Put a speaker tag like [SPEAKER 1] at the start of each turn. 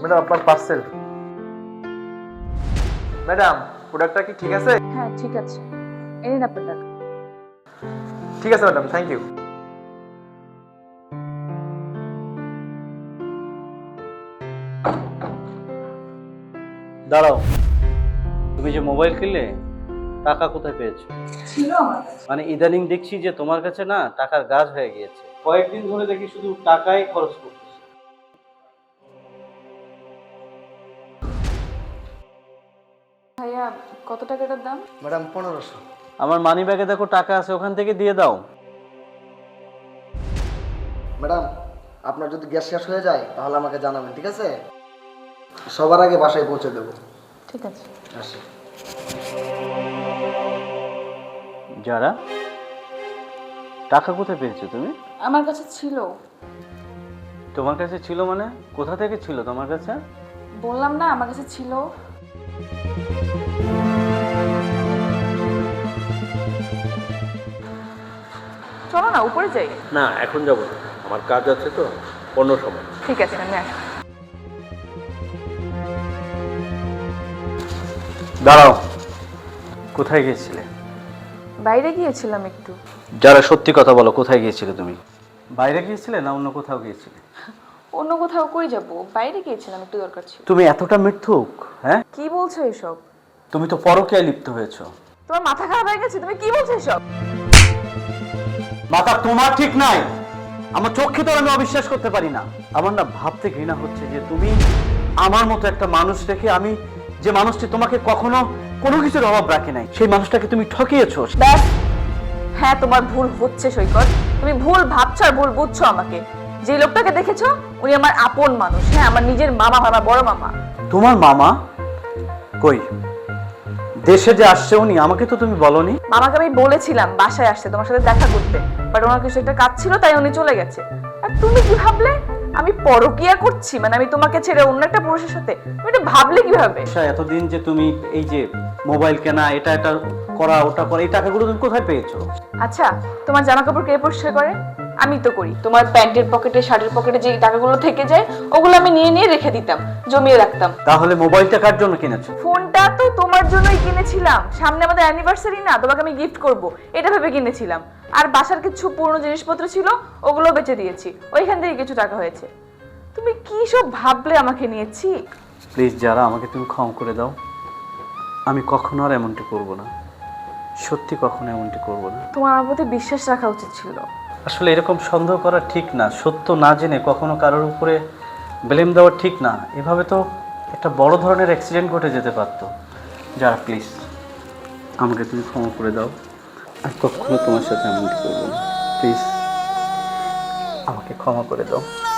[SPEAKER 1] Madam আপনার parcel. Madam প্রোডাক্টটা কি ঠিক আছে?
[SPEAKER 2] হ্যাঁ ঠিক আছে, এই নিন আপনার টাকা।
[SPEAKER 1] ঠিক আছে ম্যাডাম, থ্যাংক ইউ।
[SPEAKER 3] দাঁড়াও, তুমি যে মোবাইল কিনলে টাকা কোথায় পেয়েছো?
[SPEAKER 2] ছিল আমার কাছে।
[SPEAKER 3] মানে ইদানিং দেখছি যে তোমার কাছে না টাকার গাছ হয়ে গিয়েছে, কয়েকদিন ধরে দেখি শুধু টাকাই খরচ করতেছো।
[SPEAKER 2] ভাইয়া কত টাকাটার দাম?
[SPEAKER 4] ম্যাডাম 1500।
[SPEAKER 3] আমার মানি ব্যাগে দেখো টাকা আছে, ওখান থেকে দিয়ে দাও।
[SPEAKER 4] ম্যাডাম আপনার যদি গ্যাস শেষ হয়ে যায় তাহলে আমাকে জানাবেন, ঠিক আছে? সবার আগে বাসায় পৌঁছে দেবো।
[SPEAKER 2] ঠিক আছে।
[SPEAKER 4] আসি।
[SPEAKER 3] যারা টাকা কোথায় পেয়েছো তুমি?
[SPEAKER 2] আমার কাছে ছিল।
[SPEAKER 3] তোমার কাছে ছিল মানে কোথা থেকে ছিল তোমার কাছে?
[SPEAKER 2] বললাম না আমার কাছে ছিল। চলো না উপরে যাই।
[SPEAKER 5] না এখন যাব না, আমার কাজ আছে তো, অন্য সময়।
[SPEAKER 2] ঠিক আছে আমি আসি।
[SPEAKER 3] দাঁড়াও, কোথায় গিয়েছিলে?
[SPEAKER 2] বাইরে গিয়েছিলাম একটু।
[SPEAKER 3] যারা সত্যি কথা বলো, কোথায় গিয়েছিলে তুমি? বাইরে গিয়েছিলে না অন্য কোথাও গিয়েছিলে?
[SPEAKER 2] অন্য কোথাও কই যাব, বাইরে গিয়েছিলাম, একটু দরকার ছিল।
[SPEAKER 3] তুমি এতটা মিথ্যুক? হ্যাঁ,
[SPEAKER 2] কি বলছো এসব?
[SPEAKER 3] তুমি তো পরকীয়ায় লিপ্ত হয়েছো।
[SPEAKER 2] তোমার মাথা খারাপ হয়ে গেছে? তুমি কি বলছো এসব?
[SPEAKER 3] মাথা তোমার ঠিক নাই, আমার চোখে তো আমি অবিশ্বাস করতে পারি না। আমার না ভাবতে ঘৃণা হচ্ছে যে তুমি আমার মতো একটা মানুষ দেখে, আমি যে মানুষটি তোমাকে কখনো কোনো কিছুর অভাব রাখে নাই, সেই মানুষটাকে তুমি ঠকিয়েছো।
[SPEAKER 2] ব্যাস, হ্যাঁ তোমার ভুল হচ্ছে সৈকত। তুমি ভুল ভাবছো আর ভুল বুঝছো আমাকে। যে লোকটাকে দেখেছো উনি আমার আপন মানুষ। হ্যাঁ আমার নিজের মামা, আমার বড় মামা।
[SPEAKER 3] তোমার মামা? কই, দেশে যে আসছে উনি, আমাকে তো তুমি বলনি।
[SPEAKER 2] মামাকে আমি বলেছিলাম বাসায় আসতে তোমার সাথে দেখা করতে, বাট ওনার কিছু একটা কাজ ছিল তাই উনি চলে গেছে। আর তুমি কি ভাবলে আমি পরকিয়া করছি? মানে আমি তোমাকে ছেড়ে অন্য একটা পুরুষের সাথে? তুমি এটা ভাবলে কিভাবে?
[SPEAKER 3] এতদিন যে তুমি এই যে মোবাইল কেনা, এটা করা, ওটা করা, এই টাকাগুলো তুমি কোথায় পেয়েছো?
[SPEAKER 2] আচ্ছা তোমার জামা কাপড় কে পরিষ্কার করে? আমি তো করি। তোমার প্যান্টের পকেটে, শার্টের পকেটে যে টাকাগুলো থেকে যায় ওগুলো আমি নিয়ে নিয়ে রেখে দিতাম, জমিয়ে রাখতাম।
[SPEAKER 3] তাহলে মোবাইলটা কার জন্য কিনেছো?
[SPEAKER 2] ফোনটা তো তোমার জন্যই কিনেছিলাম। সামনে আমাদের অ্যানিভার্সারি না, তোমাকে আমি গিফট করব এটা ভেবে কিনেছিলাম। আর বাসার কিছু পুরনো জিনিসপত্র ছিল ওগুলো বেচে দিয়েছি, ওইখান থেকে কিছু টাকা হয়েছে। তুমি কি সব ভাবলে আমাকে নিয়েছি?
[SPEAKER 3] প্লিজ যারা, আমাকে তুমি ক্ষমা করে দাও। আমি কখনো আর এমনটি করব না, সত্যি কখনো এমনটি করব না।
[SPEAKER 2] তোমার আমার প্রতি বিশ্বাস রাখা উচিত ছিল।
[SPEAKER 3] আসলে এরকম সন্দেহ করা ঠিক না, সত্য না জেনে কখনো কারোর উপরে ব্লেম দেওয়া ঠিক না। এভাবে তো একটা বড় ধরনের অ্যাক্সিডেন্ট ঘটে যেতে পারতো। যারা প্লিজ আমাকে তুমি ক্ষমা করে দাও, আর কখনো তোমার সাথে এমনটি করবো না। প্লিজ আমাকে ক্ষমা করে দাও।